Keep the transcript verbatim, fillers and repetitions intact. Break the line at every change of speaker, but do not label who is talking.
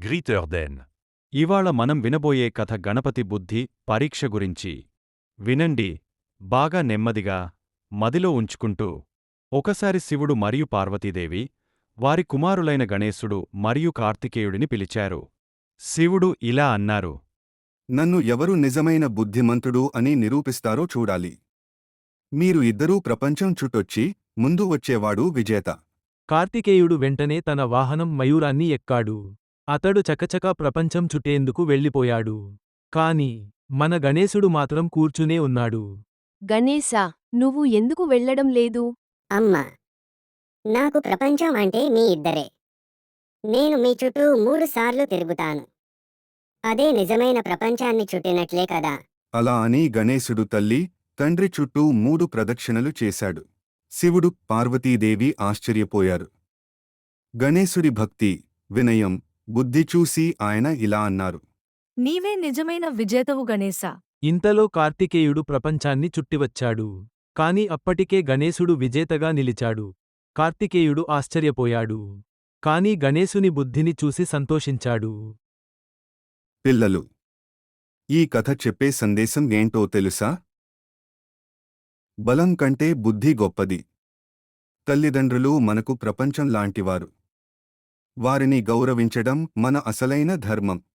Grieterden.
ఇవాళ మనం వినబోయే కథ గణపతి బుద్ధి పరీక్ష గురించి. వినండి, బాగా నెమ్మదిగా, మదిలో ఉంచుకుంటూ. ఒకసారి శివుడు మరియు పార్వతీదేవి, వారి కుమారులైన గణేశుడు మరియు కార్తికేయుడిని పిలిచారు. శివుడు ఇలా అన్నారు:
నన్ను ఎవరు నిజమైన బుద్ధిమంతుడు అని నిరూపిస్తారో చూడాలి. మీరు ఇద్దరూ ప్రపంచం చుట్టొచ్చి, ముందు వచ్చేవాడు విజేత.
కార్తికేయుడు వెంటనే తన వాహనం మయూరాన్ని ఎక్కాడు. అతడు చకచకా ప్రపంచం చుట్టేందుకు వెళ్ళిపోయాడు. కాని మన గణేశుడు మాత్రం కూర్చునే ఉన్నాడు.
గణేశా, నువ్వు ఎందుకు వెళ్ళడం లేదు?
అమ్మా, నాకు ప్రపంచం అంటే మీ ఇద్దరే. నేను మీ చుట్టూ మూడు సార్లు తిరుగుతాను. అదే నిజమైన ప్రపంచాన్ని చుట్టినట్లే కదా.
అలా అని గణేశుడు తల్లి, తండ్రి చుట్టూ మూడు ప్రదక్షిణలు చేశాడు. శివుడు, పార్వతీదేవి ఆశ్చర్యపోయారు. గణేశుడి భక్తి, వినయం, బుద్ధి చూసి ఆయన ఇలా అన్నారు:
నీవే నిజమైన విజేతవు గణేశా.
ఇంతలో కార్తికేయుడు ప్రపంచాన్ని చుట్టివచ్చాడు. కాని అప్పటికే గణేశుడు విజేతగా నిలిచాడు. కార్తికేయుడు ఆశ్చర్యపోయాడు. కాని గణేశుని బుద్ధిని చూసి సంతోషించాడు.
పిల్లలు, ఈ కథ చెప్పే సందేశం ఏంటో తెలుసా? బలం కంటే బుద్ధి గొప్పది. తల్లిదండ్రులు మనకు ప్రపంచం లాంటివారు. వారిని గౌరవించడం మన అసలైన ధర్మం.